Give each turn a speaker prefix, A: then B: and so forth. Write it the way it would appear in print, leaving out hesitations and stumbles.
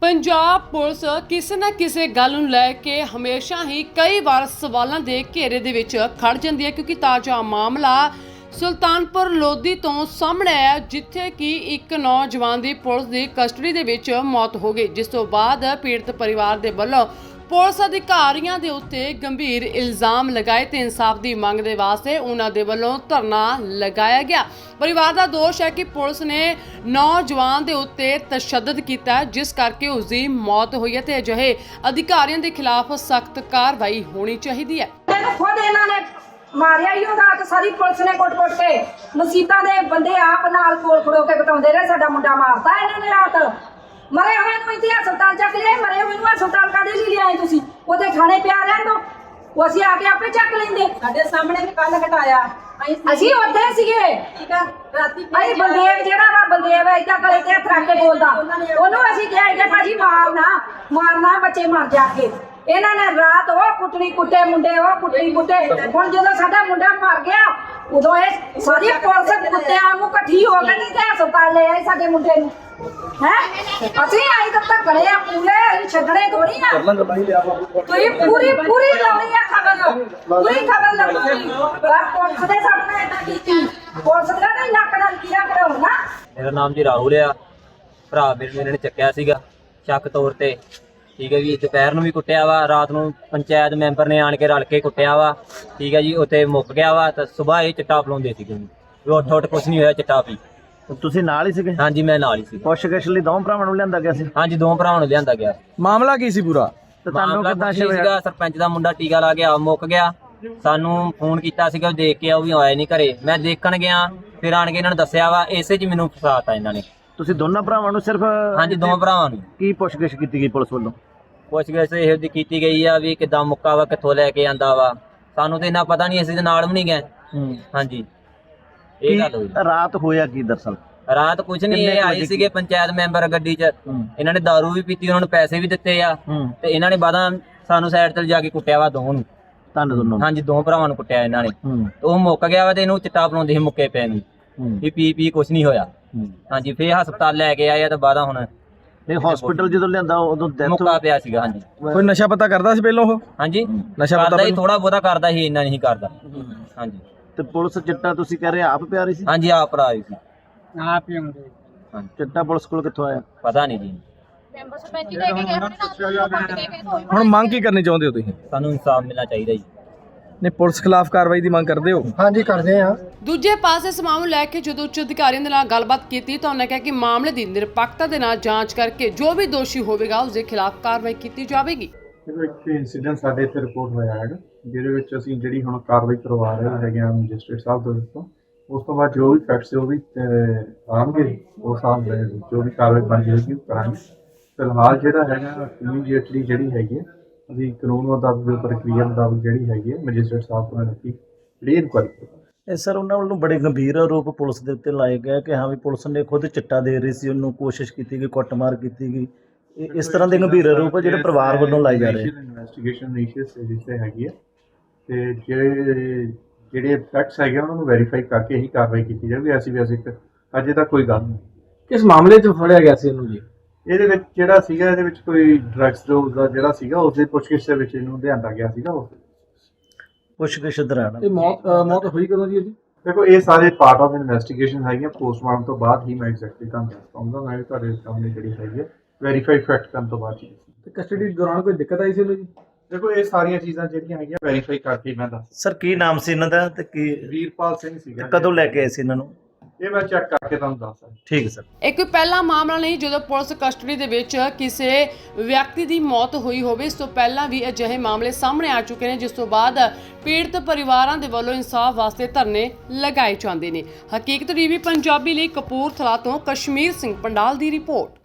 A: Punjab police ਕਿਸੇ ਨਾ ਕਿਸੇ ਗੱਲ ਨੂੰ ਲੈ ਕੇ ਹਮੇਸ਼ਾ ਹੀ ਕਈ ਵਾਰ ਸਵਾਲਾਂ ਦੇ ਘੇਰੇ ਦੇ ਵਿੱਚ ਖੜ ਜਾਂਦੀ ਹੈ ਕਿਉਂਕਿ ਤਾਜ਼ਾ ਮਾਮਲਾ ਸੁਲਤਾਨਪੁਰ ਲੋਧੀ ਤੋਂ ਸਾਹਮਣੇ ਆਇਆ ਜਿੱਥੇ ਕਿ ਇੱਕ ਨੌਜਵਾਨ ਦੀ ਪੁਲਿਸ ਦੀ ਕਸਟਡੀ ਦੇ ਵਿੱਚ ਮੌਤ ਹੋ ਗਈ ਜਿਸ ਤੋਂ ਬਾਅਦ ਪੀੜਤ ਪਰਿਵਾਰ ਦੇ ਵੱਲੋਂ ਪੁਲਿਸ ਅਧਿਕਾਰੀਆਂ ਦੇ ਉੱਤੇ ਗੰਭੀਰ ਇਲਜ਼ਾਮ ਲਗਾਏ ਤੇ ਇਨਸਾਫ ਦੀ ਮੰਗ ਦੇ ਵਾਸਤੇ ਉਹਨਾਂ ਦੇ ਵੱਲੋਂ ਧਰਨਾ ਲਗਾਇਆ ਗਿਆ। ਪਰਿਵਾਰ ਦਾ ਦੋਸ਼ ਹੈ ਕਿ ਪੁਲਿਸ ਨੇ ਨੌਜਵਾਨ ਦੇ ਉੱਤੇ ਤਸ਼ੱਦਦ ਕੀਤਾ ਜਿਸ ਕਰਕੇ ਉਸ ਦੀ ਮੌਤ ਹੋਈ ਹੈ ਤੇ ਅਜਿਹੇ ਅਧਿਕਾਰੀਆਂ ਦੇ ਖਿਲਾਫ ਸਖਤ ਕਾਰਵਾਈ ਹੋਣੀ ਚਾਹੀਦੀ ਹੈ।
B: ਖੁਦ ਇਹਨਾਂ ਨੇ ਮਾਰਿਆ ਹੀ ਉਹ ਰਾਤ ਸਾਰੀ ਪੁਲਿਸ ਨੇ ਕੁੱਟ-ਕੁੱਟ ਕੇ ਮਸੀਤਾਂ ਦੇ ਬੰਦੇ ਆਪ ਨਾਲ ਕੋਲ ਖੜੋ ਕੇ ਬਤਾਉਂਦੇ ਰਹੇ ਸਾਡਾ ਮੁੰਡਾ ਮਾਰਤਾ ਇਹਨਾਂ ਨੇ ਰਾਤ। ਮਰੇ ਹੋਏ ਨੂੰ ਇੱਥੇ ਹਸਪਤਾਲ ਚੱਕ ਲਿਆ, ਮਰੇ ਹੋਏ ਨੂੰ ਹਸਪਤਾਲ ਕਾਹਦੇ ਲਈ ਲਿਆਏ ਤੁਸੀਂ? ਉਹਦੇ ਥਾਣੇ ਪਿਆ ਰਹਿਣ ਦੋ, ਉਹ ਅਸੀਂ ਆ ਕੇ ਆਪੇ ਚੱਕ ਲੈਂਦੇ।
C: ਸਾਡੇ ਸਾਹਮਣੇ ਵੀ ਕੱਲ ਹਟਾਇਆ
B: ਅਸੀਂ ਉੱਥੇ ਸੀਗੇ।
C: ਠੀਕ ਆ, ਰਾਤੀ
B: ਭਾਈ ਬਲਦੇਵ ਜਿਹੜਾ ਵਾ ਬਲਦੇਵ ਏਦਾਂ ਗਲੇ ਤੇ ਹੱਥ ਰੱਖ ਕੇ ਬੋਲਦਾ, ਉਹਨੂੰ ਅਸੀਂ ਕਿਹਾ ਕਿ ਭਾਜੀ ਮਾਰਨਾ ਬੱਚੇ ਮਰ ਜਾਣਗੇ। ਇਹਨਾਂ ਨੇ ਰਾਤ ਉਹ ਕੁੱਟਣੀ ਕੁੱਟੇ ਮੁੰਡੇ, ਉਹ ਕੁੱਟਣੀ ਕੁੱਟੇ। ਹੁਣ ਜਦੋਂ ਸਾਡਾ ਮੁੰਡਾ ਮਰ ਗਿਆ ਉਦੋਂ ਇਹ ਸਾਰੀ ਪੁਲਿਸ ਕੁੱਤਿਆਂ ਨੂੰ ਇਕੱਠੀ ਹੋ ਕੇ ਤੇ ਹਸਪਤਾਲ ਲੈ ਆਏ ਸਾਡੇ ਮੁੰਡੇ ਨੂੰ। ਹੈ ਅਸੀਂ ਆਈ ਤੱਕ ਗਲੇ ਆ ਪੂਰੇ, ਛੱਡਣੇ ਥੋੜੀ ਆ। ਤੁਸੀਂ ਪੂਰੀ ਲਾਉਣੀ ਆ ਖਬਰ, ਪੂਰੀ ਖਬਰ ਲਾਉਣੀ। ਪੁਲਿਸ ਦੇ ਸਾਹਮਣੇ ਏਦਾਂ ਕੀਤੀ, ਪੁਲਿਸ ਦਾ ਨਹੀਂ ਨੱਕ ਨਾਲ ਕੀੜਾ ਕਰਾਉਣਾ।
D: ਮੇਰਾ ਨਾਮ ਜੀ ਰਾਹੁਲ ਆ। ਭਰਾ ਮੇਰੇ ਨੇ ਚੱਕਿਆ ਸੀਗਾ ਸ਼ੱਕ ਤੌਰ ਤੇ। ਠੀਕ ਹੈ ਜੀ, ਦੁਪਹਿਰ ਨੂੰ ਵੀ ਕੁੱਟਿਆ ਵਾ, ਰਾਤ ਨੂੰ ਪੰਚਾਇਤ ਮੈਂਬਰ ਨੇ ਆਣ ਕੇ ਰਲ ਕੇ ਕੁੱਟਿਆ ਵਾ। ਠੀਕ ਹੈ ਜੀ, ਉੱਥੇ ਮੁੱਕ ਗਿਆ ਵਾ ਤਾਂ ਸਵੇਰ ਇਹ ਚਿੱਟਾ ਪਲਾਉਂਦੇ ਸੀਗੇ ਜੀ। ਉੱਠ ਕੁਛ ਨਹੀਂ ਹੋਇਆ, ਚਿੱਟਾ ਪੀ।
E: ਤੁਸੀਂ ਨਾਲ ਹੀ ਸੀਗੇ?
D: ਹਾਂਜੀ, ਮੈਂ ਨਾਲ ਹੀ ਸੀ।
E: ਪੁੱਛਗਿੱਛ ਲਈ ਦੋਵਾਂ ਭਰਾਵਾਂ ਨੂੰ ਲਿਆਂਦਾ ਗਿਆ ਸੀ?
D: ਹਾਂਜੀ, ਦੋ ਭਰਾਵਾਂ ਨੂੰ ਲਿਆਂਦਾ ਗਿਆ।
F: ਮਾਮਲਾ ਕੀ ਸੀ ਪੂਰਾ?
E: ਤੇ ਤੁਹਾਨੂੰ
D: ਮਾਮਲਾ
E: ਕਿੱਦਾਂ
D: ਕੁਛ ਨਹੀਂ ਸੀਗਾ, ਸਰਪੰਚ ਦਾ ਮੁੰਡਾ ਟੀਕਾ ਲਾ ਗਿਆ, ਮੁੱਕ ਗਿਆ। ਸਾਨੂੰ ਫੋਨ ਕੀਤਾ ਸੀਗਾ, ਉਹ ਦੇਖ ਕੇ ਉਹ ਵੀ ਆਇਆ ਨਹੀਂ ਘਰੇ। ਮੈਂ ਦੇਖਣ ਗਿਆ, ਫਿਰ ਆਣ ਕੇ ਇਹਨਾਂ ਨੂੰ ਦੱਸਿਆ ਵਾ, ਇਸੇ 'ਚ ਮੈਨੂੰ ਫਸਾਤਾ ਇਹਨਾਂ ਨੇ।
E: ਤੁਸੀਂ ਦੋਨਾਂ ਭਰਾਵਾਂ ਨੂੰ ਸਿਰਫ?
D: ਹਾਂਜੀ, ਦੋ ਭਰਾਵਾਂ ਨੂੰ।
E: ਕੀ ਪੁੱਛਗਿੱਛ ਕੀਤੀ ਗਈ ਪੁਲਿਸ ਵੱਲੋਂ?
D: ਪੁੱਛਗਿੱਛ ਇਹੋ ਜਿਹੀ ਕੀਤੀ ਗਈ ਆ ਵੀ ਕਿੱਦਾਂ ਮੁੱਕਾ ਵਾ, ਕਿੱਥੋਂ ਲੈ ਕੇ ਆਂਦਾ ਵਾ। ਸਾਨੂੰ ਤੇ ਇੰਨਾ ਪਤਾ ਨਹੀਂ, ਅਸੀਂ ਤੇ ਨਾਲ ਵੀ ਨਹੀਂ ਗਏ। ਹਾਂਜੀ, ਇਹ ਗੱਲ ਹੋਈ।
E: ਰਾਤ ਹੋਇਆ ਕੀ ਦਰਅਸਲ?
D: ਰਾਤ ਕੁਝ ਨਹੀਂ, ਇਹ ਆਏ ਸੀਗੇ ਪੰਚਾਇਤ ਮੈਂਬਰ ਗੱਡੀ 'ਚ। ਇਹਨਾਂ ਨੇ ਦਾਰੂ ਵੀ ਪੀਤੀ, ਉਹਨਾਂ ਨੂੰ ਪੈਸੇ ਵੀ ਦਿੱਤੇ ਆ ਤੇ ਇਹਨਾਂ ਨੇ ਬਾਅਦਾਂ ਸਾਨੂੰ ਸਾਈਡ ਤੇ ਜਾ ਕੇ ਕੁੱਟਿਆ ਵਾ ਦੋਵਾਂ ਨੂੰ।
E: ਤੁਹਾਨੂੰ ਦੋਨੋਂ?
D: ਹਾਂਜੀ, ਦੋ ਭਰਾਵਾਂ ਨੂੰ ਕੁੱਟਿਆ ਇਹਨਾਂ ਨੇ। ਉਹ ਮੁੱਕ ਗਿਆ ਵਾ ਤੇ ਇਹਨੂੰ ਚਿੱਟਾ ਪਲਾਉਂਦੇ ਸੀ ਮੁੱਕੇ ਪੈ ਨੂੰ ਵੀ ਪੀ ਕੁਝ ਨਹੀਂ ਹੋਇਆ। ਹਾਂਜੀ, ਫੇਰ ਹਸਪਤਾਲ ਲੈ ਕੇ ਆਏ ਆ ਤੇ ਬਾਅਦਾਂ ਹੁਣ
E: ਨਹੀਂ ਹਸਪੀਟਲ ਜਦੋਂ ਲਿਆਂਦਾ ਉਦੋਂ
D: ਮੁੱਕਾ ਪਿਆ ਸੀਗਾ। ਹਾਂਜੀ,
F: ਕੋਈ ਨਸ਼ਾ ਪਤਾ ਕਰਦਾ ਸੀ ਪਹਿਲਾਂ ਉਹ?
D: ਹਾਂਜੀ,
F: ਨਸ਼ਾ ਪਤਾ
D: ਕਰਦਾ ਹੀ, ਥੋੜਾ ਬਹੁਤਾ ਕਰਦਾ ਸੀ, ਇੰਨਾ ਨਹੀਂ ਕਰਦਾ। ਹਾਂਜੀ,
E: ਤੇ ਪੁਲਿਸ ਚਿੱਟਾ ਤੁਸੀਂ ਕਹਿ ਰਹੇ ਆਪ ਪਿਆ ਰਹੀ ਸੀ?
D: ਹਾਂਜੀ, ਆਪ ਭਰਾ ਆਏ ਸੀ।
C: ਆਪ ਹੀ ਹੁੰਦੇ।
E: ਚਿੱਟਾ ਪੁਲਿਸ ਕੋਲ ਕਿੱਥੋਂ ਆਇਆ?
D: ਪਤਾ ਨਹੀਂ ਜੀ।
F: ਹੁਣ ਮੰਗ ਕੀ ਕਰਨੀ ਚਾਹੁੰਦੇ ਹੋ ਤੁਸੀਂ?
D: ਸਾਨੂੰ ਇਨਸਾਫ ਮਿਲਣਾ ਚਾਹੀਦਾ ਜੀ।
F: ਨਹੀਂ, ਪੁਲਿਸ ਖਿਲਾਫ ਕਾਰਵਾਈ ਦੀ ਮੰਗ ਕਰਦੇ ਹੋ?
C: ਹਾਂਜੀ, ਕਰਦੇ ਆ।
A: ਦੂਜੇ ਪਾਸੇ ਇਸ ਮਾਮਲੇ ਨੂੰ ਲੈ ਕੇ ਜਦੋਂ ਉੱਚ ਅਧਿਕਾਰੀਆਂ ਦੇ ਨਾਲ ਗੱਲਬਾਤ ਕੀਤੀ ਤਾਂ ਉਹਨਾਂ ਕਿਹਾ ਕਿ ਮਾਮਲੇ ਦੀ ਨਿਰਪੱਖਤਾ ਦੇ ਨਾਲ ਜਾਂਚ ਕਰਕੇ ਜੋ ਵੀ ਦੋਸ਼ੀ ਹੋਵੇਗਾ ਉਸ ਦੇ ਖਿਲਾਫ ਕਾਰਵਾਈ ਕੀਤੀ ਜਾਵੇਗੀ।
G: ਇੱਕ ਇਨਸੀਡੈਂਟ ਸਾਡੇ ਇੱਥੇ ਰਿਪੋਰਟ ਹੋਇਆ ਹੈਗਾ ਜਿਹਦੇ ਵਿੱਚ ਅਸੀਂ ਜਿਹੜੀ ਹੁਣ ਕਾਰਵਾਈ ਕਰਵਾ ਰਹੇ ਹੈਗੇ ਆ ਮੈਜਿਸਟਰੇਟ ਸਾਹਿਬ ਦੇ ਵਿੱਚੋਂ। ਉਸ ਤੋਂ ਬਾਅਦ ਜੋ ਵੀ ਫੈਕਟਸ ਉਹ ਵੀ ਆਉਣਗੇ, ਉਸ ਹਿਸਾਬ ਨਾਲ ਜੋ ਵੀ ਕਾਰਵਾਈ ਬਣ ਜਾਏਗੀ ਉਹ ਕਰਾਂਗੇ। ਫਿਲਹਾਲ ਜਿਹੜਾ ਹੈਗਾ ਇਮੀਡੀਏਟਲੀ ਜਿਹੜੀ ਹੈਗੀ ਹੈ ਅਸੀਂ ਕਾਨੂੰਨ ਮੁਤਾਬਕ ਪ੍ਰਕਿਰਿਆ ਮੁਤਾਬਕ ਜਿਹੜੀ ਹੈਗੀ ਹੈ ਮੈਜਿਸਟਰੇਟ ਸਾਹਿਬ ਕੋਲ ਰੱਖੀ ਜਿਹੜੀ ਇਨਕੁਆਇਰੀ ਕਰਾਂਗੇ।
E: ਇਹ ਸਰ ਉਹਨਾਂ ਵੱਲੋਂ ਬੜੇ ਗੰਭੀਰ ਆਰੋਪ ਪੁਲਿਸ ਦੇ ਉੱਤੇ ਲਾਏ ਗਏ ਕਿ ਹਾਂ ਵੀ ਪੁਲਿਸ ਨੇ ਖੁਦ ਚਿੱਟਾ ਦੇ ਰਹੀ ਸੀ, ਉਹਨੂੰ ਕੋਸ਼ਿਸ਼ ਕੀਤੀ ਗਈ, ਕੁੱਟਮਾਰ ਕੀਤੀ ਗਈ। ਇਸ ਤਰ੍ਹਾਂ ਦੇ ਗੰਭੀਰ ਆਰੋਪ ਜਿਹੜੇ ਪਰਿਵਾਰ ਵੱਲੋਂ ਲਾਏ ਜਾ ਰਹੇ।
G: ਇਨਵੈਸਟੀਗੇਸ਼ਨ ਇਨੀਸ਼ੀਅਲ ਸਟੇਜ ਤੇ ਹੈਗੀ ਹੈ ਤੇ ਜਿਹੜੇ ਫੈਕਟਸ ਹੈਗੇ ਉਹਨਾਂ ਨੂੰ ਵੈਰੀਫਾਈ ਕਰਕੇ ਹੀ ਕਾਰਵਾਈ ਕੀਤੀ ਜਾਵੇ। ਐਸੀ ਵੈਸੇ ਅਜੇ ਤੱਕ ਕੋਈ ਗੱਲ ਨਹੀਂ।
F: ਕਿਸ ਮਾਮਲੇ 'ਚ ਫੜਿਆ ਗਿਆ ਸੀ ਇਹਨੂੰ ਜੀ?
G: ਇਹਦੇ ਵਿੱਚ ਜਿਹੜਾ ਸੀਗਾ ਇਹਦੇ ਵਿੱਚ ਕੋਈ ਡਰੱਗਸ ਡੋਜ਼ ਦਾ ਜਿਹੜਾ ਸੀਗਾ ਉਸ ਦੇ ਪੁੱਛਗਿੱਛ ਦੇ ਵਿੱਚ ਇਹਨੂੰ ਲਿਆਂਦਾ ਗਿਆ ਸੀਗਾ। ਉਸ
E: ਪੁੱਛਗਿੱਛ ਦੌਰਾਨ
F: ਇਹ ਮੌਤ ਹੋਈ ਕਦੋਂ ਜੀ ਇਹਦੀ?
G: ਦੇਖੋ ਇਹ ਸਾਰੇ ਪਾਰਟ ਆਫ ਇਨਵੈਸਟੀਗੇਸ਼ਨ ਹੈਗੀਆਂ। ਪੋਸਟਮਾਰਟਮ ਤੋਂ ਬਾਅਦ ਹੀ ਮੈਂ ਐਗਜ਼ੈਕਟਲੀ ਤੁਹਾਨੂੰ ਦੱਸ ਪਾਉਂਗਾ। ਮੈਂ ਤੁਹਾਡੇ ਸਾਹਮਣੇ ਜਿਹੜੀ ਹੈਗੀ ਹੈ ਵੈਰੀਫਾਈ ਫੈਕਟ ਕਰਨ ਤੋਂ ਬਾਅਦ ਹੀ।
F: ਤੇ ਕਸਟਡੀ ਦੌਰਾਨ ਕੋਈ ਦਿੱਕਤ ਆਈ ਸੀ ਇਹਨੂੰ ਜੀ?
G: ਦੇਖੋ ਇਹ ਸਾਰੀਆਂ ਚੀਜ਼ਾਂ ਜਿਹੜੀਆਂ ਹੈਗੀਆਂ ਵੈਰੀਫਾਈ ਕਰਕੇ ਮੈਂ ਦੱਸ।
E: ਸਰ ਕੀ ਨਾਮ ਸੀ ਇਹਨਾਂ ਦਾ ਤੇ ਕੀ
G: ਵੀਰਪਾਲ ਸਿੰਘ ਸੀਗਾ।
E: ਕਦੋਂ ਲੈ ਕੇ ਆਏ ਸੀ ਇਹਨਾਂ ਨੂੰ?
G: ਇਹ ਮੈਂ ਚੈੱਕ ਕਰਕੇ ਤੁਹਾਨੂੰ ਦੱਸ ਸਕਦਾ।
E: ਠੀਕ ਸਰ।
A: ਇਹ ਕੋਈ ਪਹਿਲਾ ਮਾਮਲਾ ਨਹੀਂ ਜਦੋਂ ਪੁਲਿਸ ਕਸਟਡੀ ਦੇ ਵਿੱਚ ਕਿਸੇ ਵਿਅਕਤੀ ਦੀ ਮੌਤ ਹੋਈ ਹੋਵੇ। ਇਸ ਤੋਂ ਪਹਿਲਾਂ ਵੀ ਅਜਿਹੇ ਮਾਮਲੇ ਸਾਹਮਣੇ ਆ ਚੁੱਕੇ ਨੇ ਜਿਸ ਤੋਂ ਬਾਅਦ ਪੀੜਤ ਪਰਿਵਾਰਾਂ ਦੇ ਵੱਲੋਂ ਇਨਸਾਫ ਵਾਸਤੇ ਧਰਨੇ ਲਗਾਏ ਜਾਂਦੇ ਨੇ। ਹਕੀਕਤ ਟੀਵੀ ਪੰਜਾਬੀ ਲਈ ਕਪੂਰਥਲਾ ਤੋਂ ਕਸ਼ਮੀਰ ਸਿੰਘ ਪੰਡਾਲ ਦੀ ਰਿਪੋਰਟ।